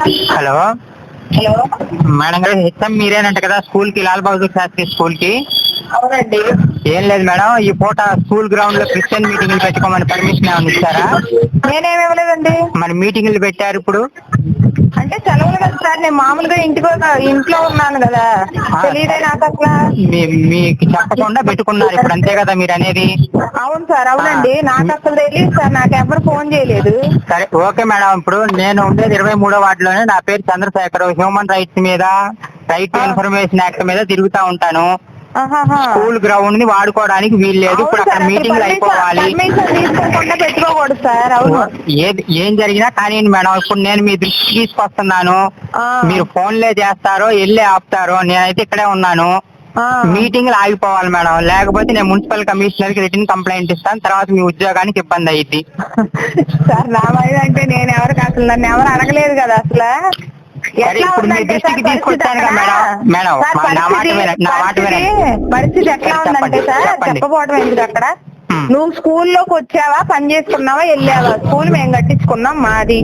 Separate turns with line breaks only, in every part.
Hello
hello.
Madam గారు, HM మీరేనంట కదా స్కూల్ కి, లాల్ బహదూర్ శాస్త్రి స్కూల్ కి?
అవునండి.
ఏం లేదు మేడం, ఈ పూట స్కూల్ గ్రౌండ్ లో క్రిస్టియన్ మీటింగ్లు పెట్టుకోమని పర్మిషన్ ఏమైనా ఇచ్చారా?
నేనేమి ఇవ్వలేదండి.
మరి మీటింగ్లు పెట్టారు ఇప్పుడు.
అంటే సెలవులు కదా సార్, నేను మామూలుగా ఇంట్లో ఉన్నాను కదా, తెలియదే నాకు అసలు.
మీకు చెప్పకుండా పెట్టుకున్నారు ఇప్పుడు, అంతే కదా మీరు అనేది?
అవును సార్, అవునండి. నాకు అసలు తెలియదు సార్, నాకు ఎవరు ఫోన్ చేయలేదు.
సరే ఓకే మేడం, ఇప్పుడు నేను ఉండేది 23వ వార్డులోనే. నా పేరు చంద్రశేఖర్. హ్యూమన్ రైట్స్ మీద, రైట్ టు ఇన్ఫర్మేషన్ యాక్ట్ మీద తిరుగుతా ఉంటాను.
ఆహాహా.
స్కూల్ గ్రౌండ్ ని వాడుకోవడానికి వీలు లేదు.
అవును
ఇప్పుడు అక్కడ
సార్, అసలు
మీటింగ్లు అయిపోవాలి.
పర్మిషన్ తీసుకోకుండా పెట్టుకోకూడదు సార్. అవును.
ఏం జరిగినా కానీ మేడం, ఇప్పుడు నేను మీ దృష్టికి తీసుకొస్తున్నాను. మీరు ఫోన్లే చేస్తారో వెళ్ళే ఆపుతారో, నేనైతే ఇక్కడే ఉన్నాను. మీటింగ్లు ఆగిపోవాలి మేడం, లేకపోతే నేను మున్సిపల్ కమిషనర్ కి రిటర్న్ కంప్లైంట్ ఇస్తాను. తర్వాత మీ ఉద్యోగానికి ఇబ్బంది అయ్యింది.
సార్ నా వయసు అంటే నేను ఎవరికి అసలు నన్ను ఎవరు అడగలేదు కదా అసలు.
సరే, ఇప్పుడు మీ దృష్టికి తీసుకొచ్చాను కదా మేడం. నా మాట వినండి.
పరిస్థితి ఎట్లా ఉందంటే సార్, చెప్పబోవడం ఎందుకు అక్కడ. నువ్వు స్కూల్లోకి వచ్చావా, పని చేసుకున్నావా, వెళ్ళావా? స్కూల్ మేము కట్టించుకున్నాం, మాది,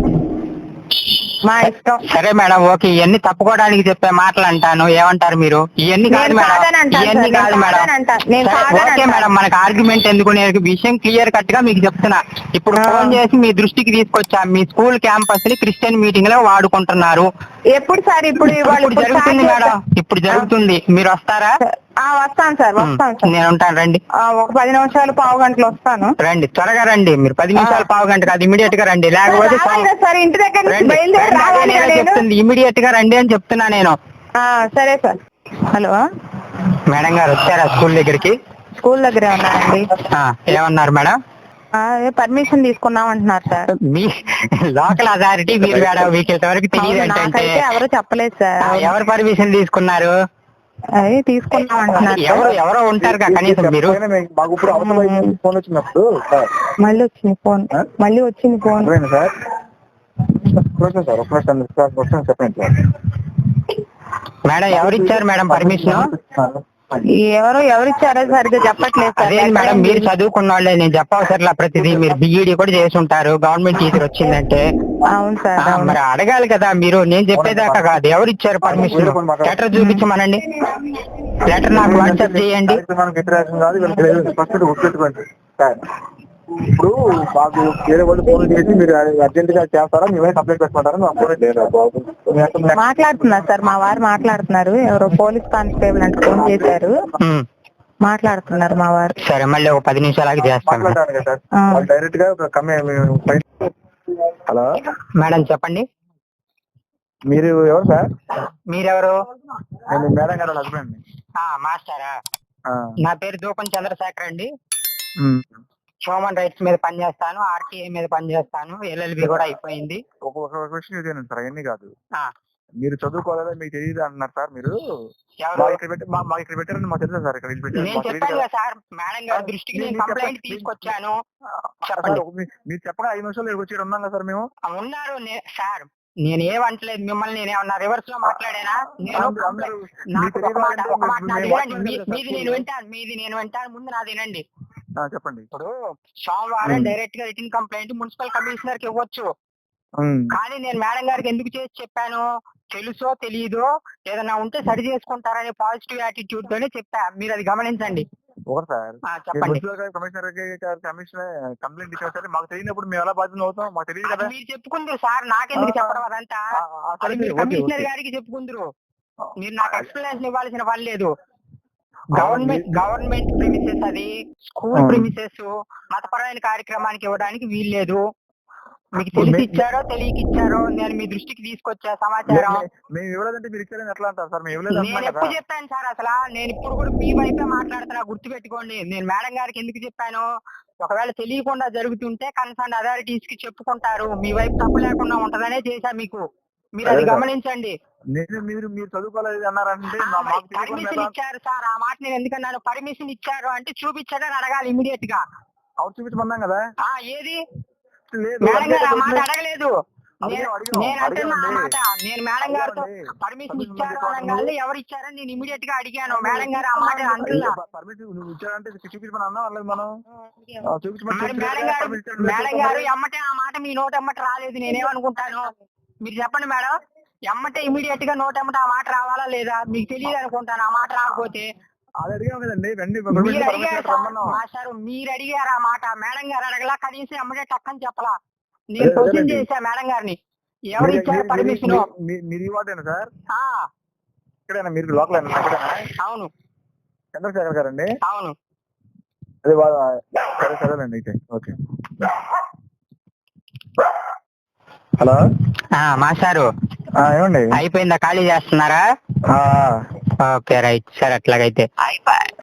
మా ఇష్టం.
సరే మేడం, ఓకే. ఇవన్నీ తప్పుకోవడానికి చెప్పే మాటలు అంటాను, ఏమంటారు మీరు? ఇవన్నీ కాదు మేడం, ఇవన్నీ కాదు మేడం. ఓకే మేడం, మనకు ఆర్గ్యుమెంట్ ఎందుకు? నేను విషయం క్లియర్ కట్ గా మీకు చెప్తున్నా. ఇప్పుడు ఫోన్ చేసి మీ దృష్టికి తీసుకొచ్చా, మీ స్కూల్ క్యాంపస్ ని క్రిస్టియన్ మీటింగ్ లో వాడుకుంటున్నారు.
ఎప్పుడు సార్? ఇప్పుడు
జరుగుతుంది మేడం, ఇప్పుడు జరుగుతుంది. మీరు వస్తారా?
వస్తాను సార్, వస్తాను సార్.
నేను ఉంటాను, రండి.
ఒక 10 నిమిషాలు, పావు గంటలు వస్తాను.
రండి, త్వరగా రండి. మీరు 10 నిమిషాలు, పావు గంట కాదు, ఇమీడియట్ గా రండి. లేకపోతే
సార్ ఇంటి దగ్గర నుంచి బయలుదేరి రావాలి.
చెప్తుంది ఇమీడియట్ గా రండి అని చెప్తున్నా నేను.
సరే సార్. హలో
మేడం గారు, వచ్చారా స్కూల్ దగ్గరికి?
స్కూల్ దగ్గరే ఉన్నారండి.
ఏమన్నారు మేడం?
పర్మిషన్ తీసుకున్నాం అంటున్నారు సార్.
మీ లోకల్ అథారిటీ మీరు మేడం, మీకు ఇంతవరకు తెలియదు అంటే?
ఎవరు చెప్పలేదు సార్.
ఎవరు పర్మిషన్ తీసుకున్నారు?
తీసుకున్నాం అంటున్నారు.
ఎవరో ఉంటారు కనీసం మీరు.
మళ్ళీ వచ్చింది ఫోన్,
సార్.
మేడం, ఎవరిచ్చారు మేడం పర్మిషన్?
ఎవరిచ్చారో సరిగ్గా చెప్పట్లేదు సార్.
అదే మేడం, మీరు చదువుకున్న వాళ్ళే, నేను చెప్పవసరలా ప్రతిదీ. మీరు బిఈడి కూడా చేసి ఉంటారు, గవర్నమెంట్ టీచర్ వచ్చిందంటే.
అవును సార్.
మరి అడగాలి కదా మీరు, నేను చెప్పేదాకా కాదు. ఎవరు ఇచ్చారు పర్మిషన్? లెటర్ చూపించమనండి, లెటర్ నాకు వాట్సాప్ చేయండి.
ఇప్పుడు మాకు వేరే వాళ్ళు ఫోన్ చేసి మీరు అర్జెంట్ గా చేస్తారా, మేమే కంప్లైంట్ పెట్టుకుంటారా?
మాట్లాడుతున్నారు సార్, మా వారు మాట్లాడుతున్నారు. ఎవరో పోలీస్ కానిస్టేబుల్ అంటే ఫోన్ చేశారు, మాట్లాడుతున్నారు మా వారు.
సరే, మళ్ళీ ఒక 10 నిమిషాలకి చేస్తాను.
డైరెక్ట్ గా హలో
మేడం, చెప్పండి.
మీరు ఎవరు సార్?
మీరెవరు?
నేను మేడం గారు హస్బెండ్.
మాస్టారా? నా పేరు దూపం చంద్రశేఖర్ అండి. హ్యూమన్ రైట్స్ మీద పనిచేస్తాను, ఆర్టీఐ మీద పనిచేస్తాను, ఎల్ఎల్బి కూడా అయిపోయింది.
ఒక క్వశ్చన్ ఇదేనండి సార్, అవన్నీ కాదు. మీరు చదువుకోవాలా, మీకు తెలియదు అంటున్నారు సార్. మీరు ఇక్కడ పెట్టారని మాకు తెలుసా సార్? ఇక్కడ
నేను చెప్పాను సార్, మేడం గారి దృష్టికి నేను కంప్లైంట్ తీసుకొచ్చాను.
మీరు చెప్పగా 5 నిమిషాలు ఇక్కడికి వచ్చి ఉన్నాం కదా సార్ మేము.
ఉన్నారు సార్, నేను ఏమంటలేదు మిమ్మల్ని. నేనేమన్నా రివర్స్ లో మాట్లాడానా? మీది నేను వింటాను, ముందు నాది వినండి.
చెప్పండి.
ఇప్పుడు సోమవారం డైరెక్ట్ గా రిటర్న్ కంప్లైంట్ మున్సిపల్ కమిషనర్ కి ఇవ్వచ్చు. కానీ నేను మేడం గారికి ఎందుకు చేసి చెప్పాను? తెలుసో తెలియదో ఏదన్నా ఉంటే సరి చేసుకుంటారనే పాజిటివ్ యాటిట్యూడ్ తోనే చెప్పా. మీరు అది గమనించండి. చెప్పండి.
కంప్లైంట్ ఇచ్చారు సార్, మాకు తెలియనప్పుడు మేము ఎలా బాధ్యత అవుతాం? మాకు తెలియదు కదా.
మీరు చెప్పుకుందరు సార్, నాకెందుకు చెప్పడం అదంతా? కమిషనర్ గారికి చెప్పుకుందరు. మీరు నాకు ఎక్స్ప్లెనేషన్ ఇవ్వాల్సిన పని లేదు. గవర్నమెంట్ ప్రిమిసెస్, అది స్కూల్ ప్రిమిసెస్. మతపరమైన కార్యక్రమానికి ఇవ్వడానికి వీల్లేదు. మీకు తెలిసి ఇచ్చారో తెలియక ఇచ్చారో నేను మీ దృష్టికి తీసుకొచ్చా సమాచారం.
మేము ఇవ్వలేదంటే మీరు ఇచ్చారని ఎట్లా అంటారు సార్?
నేను ఎప్పుడు చెప్పాను సార్? అసలు నేను ఇప్పుడు కూడా మీ వైపే మాట్లాడుతున్నా, గుర్తు పెట్టుకోండి. నేను మేడం గారికి ఎందుకు చెప్పాను? ఒకవేళ తెలియకుండా జరుగుతుంటే కన్సర్న్ అథారిటీస్ కి చెప్పుకుంటారు, మీ వైపు తప్పు లేకుండా ఉంటదనే చేశా మీకు. మీరు అది గమనించండి.
మీరు చదువుకోలేదు అన్నారంటే
పర్మిషన్ ఇచ్చారు సార్. ఆ మాట నేను ఎందుకన్నాను? పర్మిషన్ ఇచ్చారు అంటే చూపించారని అడగాలి ఇమీడియట్ గా.
అవును, చూపించమన్నాం కదా.
ఏది? మేడం గారు ఆ మాట అడగలేదు. నేను అంటున్నా ఆ మాట. నేను మేడం గారితో పర్మిషన్ ఇచ్చారు అనగానే ఎవరు ఇచ్చారని నేను ఇమీడియట్ గా అడిగాను. మేడం గారు ఆ మాట అంటున్నా.
పర్మిషన్ నువ్వు ఇచ్చారంటే చూపించమని అన్నా వాళ్ళది మనం.
మేడం గారు ఎమ్మటే ఆ మాట మీ నోటి ఎమ్మట రాలేదు. నేనేమనుకుంటాను? మీరు చెప్పండి మేడం. ఎమ్మటే ఇమీడియట్ గా నోట్ ఎమ్మటే ఆ మాట రావాలా లేదా? మీకు తెలియదు అనుకుంటాను ఆ మాట రాకపోతే.
అది అడిగాం కదండి, వెండి
మీరు అడిగారు సార్, మాస్టర్ మీరు అడిగారు ఆ మాట, మేడం గారు అడగలా, కనీసం ఎమ్మటే టక్కని చెప్పలా. నేను క్వశ్చన్ చేశా మేడం గారిని, ఎవరు ఇచ్చారు పర్మిషన్?
మీరు ఈ వాటేనా సార్? ఇక్కడేనా మీరు లోకల్?
అవును.
చంద్రశేఖర్ గారండి?
అవును.
అదే సరే సరేనండి అయితే. ఓకే. హలో
మాస్టారు,
ఏమండి
అయిపోయిందా? ఖాళీ చేస్తున్నారా? ఓకే రైట్ సార్, అట్లాగైతే అయిపోయి